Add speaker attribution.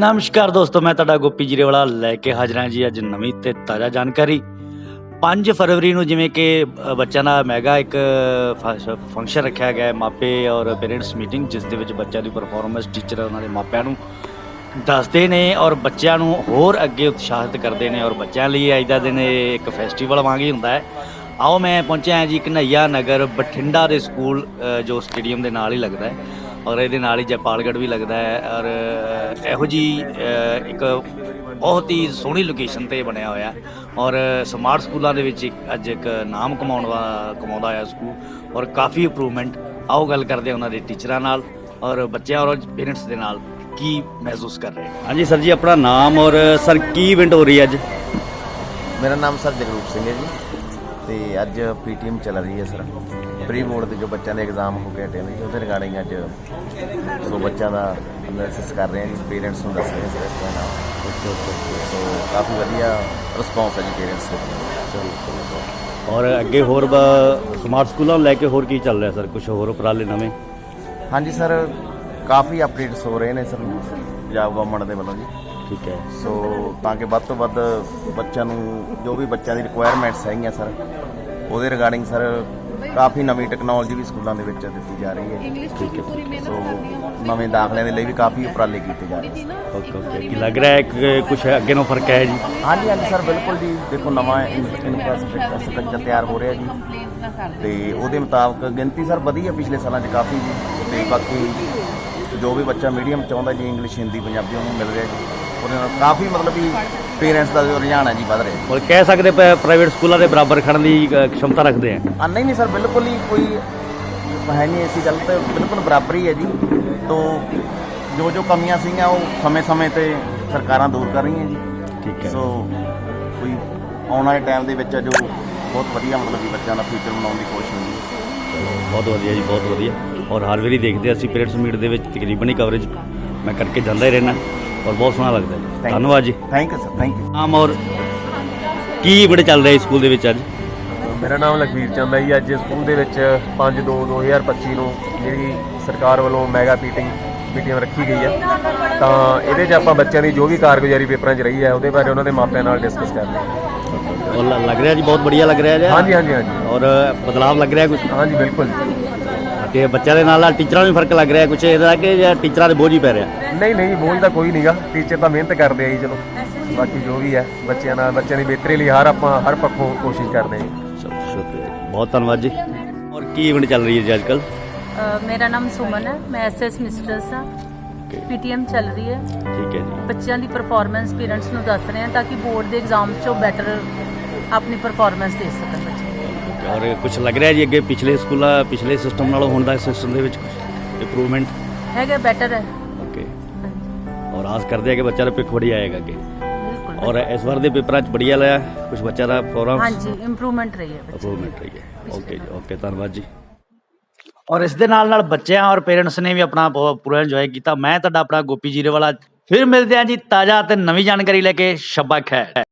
Speaker 1: ਨਮਸਕਾਰ ਦੋਸਤੋ, ਮੈਂ ਤੁਹਾਡਾ ਗੋਪੀ ਜੀਰੇਵਾਲਾ ਲੈ ਕੇ ਹਾਜ਼ਰ ਹਾਂ ਜੀ ਅੱਜ ਨਵੀਂ ਤੇ ਤਾਜ਼ਾ ਜਾਣਕਾਰੀ। 5 ਫਰਵਰੀ ਨੂੰ ਜਿਵੇਂ ਕਿ ਬੱਚਿਆਂ ਦਾ ਮੈਗਾ ਇੱਕ ਫੰਕਸ਼ਨ ਰੱਖਿਆ ਗਿਆ ਮਾਪੇ ਔਰ ਪੇਰੈਂਟਸ ਮੀਟਿੰਗ, ਜਿਸ ਦੇ ਵਿੱਚ ਬੱਚਿਆਂ ਦੀ ਪਰਫਾਰਮੈਂਸ ਟੀਚਰ ਉਹਨਾਂ ਦੇ ਮਾਪਿਆਂ ਨੂੰ ਦੱਸਦੇ ਨੇ ਔਰ ਬੱਚਿਆਂ ਨੂੰ ਹੋਰ ਅੱਗੇ ਉਤਸ਼ਾਹਿਤ ਕਰਦੇ ਨੇ। ਔਰ ਬੱਚਿਆਂ ਲਈ ਅੱਜ ਦਾ ਦਿਨ ਇੱਕ ਫੈਸਟੀਵਲ ਵਾਂਗ ਹੀ ਹੁੰਦਾ ਹੈ। ਆਓ ਮੈਂ ਪਹੁੰਚਿਆ ਜੀ ਘਨੱਈਆ ਨਗਰ ਬਠਿੰਡਾ ਦੇ ਸਕੂਲ, ਜੋ ਸਟੇਡੀਅਮ ਦੇ ਨਾਲ ਹੀ ਲੱਗਦਾ ਹੈ ਔਰ ਇਹਦੇ ਨਾਲ ਹੀ ਜੈਪਾਲਗੜ੍ਹ ਵੀ ਲੱਗਦਾ ਹੈ। ਔਰ ਇਹੋ ਜਿਹੀ ਇੱਕ ਬਹੁਤ ਹੀ ਸੋਹਣੀ ਲੋਕੇਸ਼ਨ 'ਤੇ ਬਣਿਆ ਹੋਇਆ ਔਰ ਸਮਾਰਟ ਸਕੂਲਾਂ ਦੇ ਵਿੱਚ ਅੱਜ ਇੱਕ ਨਾਮ ਕਮਾਉਂਦਾ ਹੋਇਆ ਸਕੂਲ ਔਰ ਕਾਫੀ ਇੰਪਰੂਵਮੈਂਟ। ਆਓ ਗੱਲ ਕਰਦੇ ਹਾਂ ਉਹਨਾਂ ਦੇ ਟੀਚਰਾਂ ਨਾਲ ਔਰ ਬੱਚਿਆਂ ਔਰ ਪੇਰੈਂਟਸ ਦੇ ਨਾਲ ਕੀ ਮਹਿਸੂਸ ਕਰ ਰਹੇ। ਹਾਂਜੀ ਸਰ ਜੀ, ਆਪਣਾ ਨਾਮ ਔਰ ਸਰ ਕੀ ਇਵੈਂਟ ਹੋ ਰਹੀ ਹੈ ਅੱਜ?
Speaker 2: मेरा नाम सर जगरूप सिंह है जी। तो अज पीटीएम चल रही है सर, प्री बोर्ड के जो बच्चों के एग्जाम हो के हटे ने जी, उसके रिगार्डिंग अज सो बच्चों का एनालिसिस कर रहे हैं जी, पेरेंट्स को दस रहे हैं सर इसका नाम। सो काफ़ी वधिया रिस्पॉन्स है जी पेरेंट्स से।
Speaker 1: और अगे होर स्मार्ट स्कूलों लैके होर की चल रहा सर, कुछ होर उपराले नवे?
Speaker 2: हाँ जी सर, काफ़ी अपडेट्स हो रहे हैं सर पंजाब गवर्नमेंट के वालों जी।
Speaker 1: ठीक है।
Speaker 2: सो ताकि ਵੱਧ ਤੋਂ ਵੱਧ ਬੱਚਿਆਂ ਨੂੰ ਜੋ ਵੀ ਬੱਚਿਆਂ ਦੀ ਰਿਕੁਆਇਰਮੈਂਟਸ ਹੈਗੀਆਂ ਸਰ, ਉਹਦੇ ਰਿਗਾਰਡਿੰਗ ਸਰ ਕਾਫੀ ਨਵੀਂ ਟੈਕਨੋਲੋਜੀ ਵੀ ਸਕੂਲਾਂ ਦੇ ਵਿੱਚ ਦਿੱਤੀ ਜਾ ਰਹੀ ਹੈ।
Speaker 1: ठीक है।
Speaker 2: ਸੋ ਨਵੇਂ ਦਾਖਲਿਆਂ ਦੇ ਲਈ ਵੀ ਕਾਫੀ ਉਪਰਾਲੇ ਕੀਤੇ ਜਾ ਰਹੇ ਨੇ।
Speaker 1: ओके ओके, की लग रहा है कि कुछ अगे नो फर्क है जी?
Speaker 2: हाँ जी सर, बिल्कुल जी। देखो नवा इंफ्रास्ट्रक्चर ਤਿਆਰ ਹੋ ਰਿਹਾ ਜੀ ਤੇ ਉਹਦੇ ਮੁਤਾਬਕ ਗਿਣਤੀ ਸਰ ਵਧੀ ਹੈ ਪਿਛਲੇ ਸਾਲਾਂ 'ਚ ਕਾਫੀ ਜੀ। ਤੇ ਬਾਕੀ ਜੋ ਵੀ ਬੱਚਾ ਮੀਡੀਅਮ ਚਾਹੁੰਦਾ ਜੀ, ਇੰਗਲਿਸ਼ ਹਿੰਦੀ ਪੰਜਾਬੀ ਉਹਨੂੰ ਮਿਲ ਰਿਹਾ ਜੀ। ਉਹਦੇ ਨਾਲ ਕਾਫੀ ਮਤਲਬ ਵੀ ਪੇਰੈਂਟਸ ਦਾ ਜੋ ਰੁਝਾਨ ਹੈ ਜੀ ਵੱਧ ਰਿਹਾ।
Speaker 1: और कह सकते प्राइवेट स्कूलों के बराबर खड़न की क्षमता रखते हैं?
Speaker 2: नहीं नहीं सर, बिल्कुल ही कोई है नहीं ऐसी गल, तो बिल्कुल बराबर ही है जी। तो जो जो कमियां सी वो समय समय पर सरकारां दूर कर रही हैं जी।
Speaker 1: ठीक है।
Speaker 2: सो कोई आने वाले टाइम के जो बहुत वधिया मतलब कि बच्चों का फ्यूचर बनाने की कोशिश होगी।
Speaker 1: बहुत वधिया जी, बहुत वधिया। और हर वारी देखते असं पेरेंट्स मीट के तकरीबन ही कवरेज मैं करके जाता ही रहना और बहुत सोहना लगता है। धन्यवाद जी।
Speaker 2: Thank you sir, thank you.
Speaker 1: नाम और की बड़े चल रहे स्कूल के अज?
Speaker 3: मेरा नाम लखवीर चंद है जी। अज स्कूल के 5/2/2025 ਨੂੰ ਜਿਹੜੀ ਸਰਕਾਰ ਵੱਲੋਂ ਮੈਗਾ ਮੀਟਿੰਗ ਰੱਖੀ ਗਈ ਹੈ, ਤਾਂ ਇਹਦੇ 'ਚ ਆਪਾਂ ਬੱਚਿਆਂ ਦੀ ਜੋ ਵੀ ਕਾਰਗੁਜ਼ਾਰੀ ਪੇਪਰਾਂ 'ਚ ਰਹੀ ਹੈ ਉਹਦੇ ਬਾਰੇ ਉਹਨਾਂ ਦੇ ਮਾਪਿਆਂ ਨਾਲ डिस्कस कर रहे हैं।
Speaker 1: और लग रहा है जी बहुत बढ़िया लग रहा है?
Speaker 3: हाँ जी हाँ जी हाँ जी।
Speaker 1: और बदलाव लग रहा है कुछ?
Speaker 3: हाँ जी बिल्कुल।
Speaker 1: कि बच्चों के नाल टीचरों में फर्क लग रहा है कुछ ਇਹਦਾ कि टीचर ਦੇ बोझ ही पै रहा?
Speaker 3: नहीं नहीं, बोझ ਤਾਂ ਕੋਈ ਨਹੀਂਗਾ। ਟੀਚਰ ਤਾਂ ਮਿਹਨਤ ਕਰਦੇ ਆ ਜੀ। ਚਲੋ ਬਾਕੀ ਜੋ ਵੀ ਹੈ ਬੱਚਿਆਂ ਦੀ ਬਿਹਤਰੀ ਲਈ ਆਪਾਂ ਹਰ ਪੱਖੋਂ ਕੋਸ਼ਿਸ਼ ਕਰਦੇ ਹਾਂ ਜੀ।
Speaker 1: चलो शुक्रिया, बहुत धन्यवाद जी। और की इवेंट चल रही है जी आजकल?
Speaker 4: मेरा नाम सुमन है, मैं SS मिस्ट्रेस हाँ। PTM चल रही है।
Speaker 1: ठीक है जी।
Speaker 4: बच्चों की परफॉर्मेंस पेरेंट्स को दस रहे हैं ताकि बोर्ड के एग्जाम चो बैटर अपनी परफॉर्मेंस दे सकन बच्चे।
Speaker 1: और कुछ लग रहा है जी अगे पिछले सिस्टम नालों हुण दा सिस्टम दे विच कुछ इंप्रूवमेंट
Speaker 4: है, बेटर है।
Speaker 1: ओके। और आस करते हैं कि बच्चा दा पिक बढ़िया आएगा अगे।
Speaker 4: बिल्कुल।
Speaker 1: और इस बार दे पेपर च बढ़िया लाया कुछ बच्चा दा प्रोग्राम?
Speaker 4: हाँ जी, इंप्रूवमेंट रही है।
Speaker 1: इंप्रूवमेंट रही है। ओके जी, ओके, धन्यवाद जी। और इस दे नाल बच्चों और पेरेंट्स ने भी अपना पूरा इंजॉय किया। मैं तुहाडा अपना गोपी जीरेवाला, फिर मिलते हैं जी ताज़ा ते नवी जानकारी लेके। शब्बा खैर।